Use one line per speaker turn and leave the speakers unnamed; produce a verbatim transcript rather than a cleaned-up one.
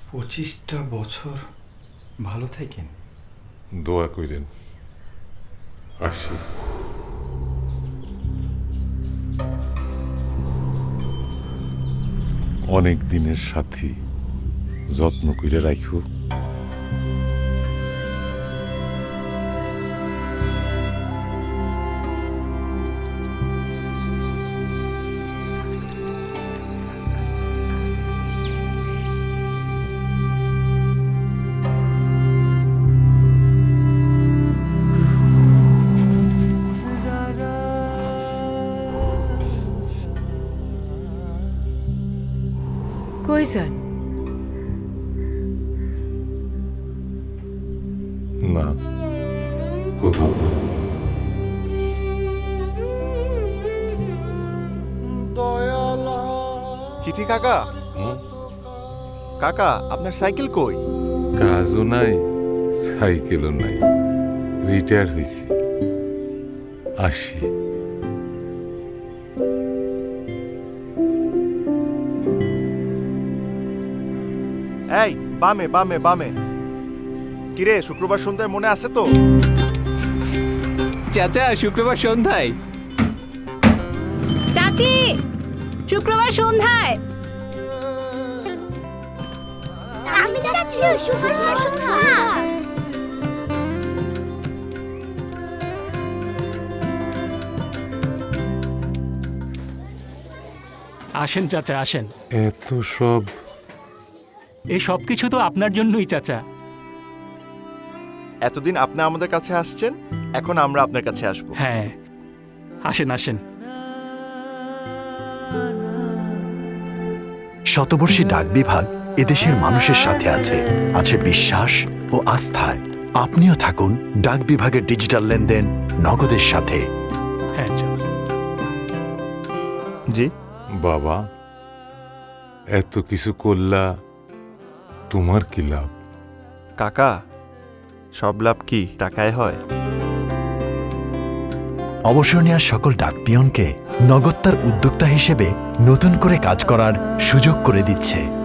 পঁচিশটা বছর ভালো থাকেন।
দোয়া কইরেন। আসি। অনেক দিনের সাথী, যত্ন কইরা রাখো।
কই যান?
না, কোথাও না।
চিঠি কাকা, কাকা আপনার সাইকেল কই?
কাজও নাই, সাইকেলও নাই, রিটায়ার হয়েছি। আসি।
এই বামে বামে বামে। কিরে শুক্রবার সন্ধ্যায় মনে আছে তো?
চাচা শুক্রবার সন্ধ্যায়।
চাচি শুক্রবার সন্ধ্যায়। আমি যাচ্ছি শুক্রবার সন্ধ্যায়।
আসেন চাচা আসেন।
এত সব
এই সব কিছু তো আপনার জন্যই চাচা।
এতদিন আপনি আমাদের কাছে আসছেন, এখন আমরা আপনার কাছে আসবো।
হ্যাঁ আসেন আসেন।
শতবর্ষী ডাক বিভাগ এদেশের মানুষের সাথে আছে আছে বিশ্বাস ও আস্থায়। আপনিও থাকুন ডাক বিভাগের ডিজিটাল লেনদেন নগদের সাথে।
হ্যাঁ চলুন।
জি
বাবা, এত কিছু করলা, তোমার কি লাভ?
কাকা, সব লাভ কি টাকায় হয়?
অবসর নেওয়ার সকল ডাক পিয়নকে নগদ তার উদ্যোক্তা হিসেবে নতুন করে কাজ করার সুযোগ করে দিচ্ছে।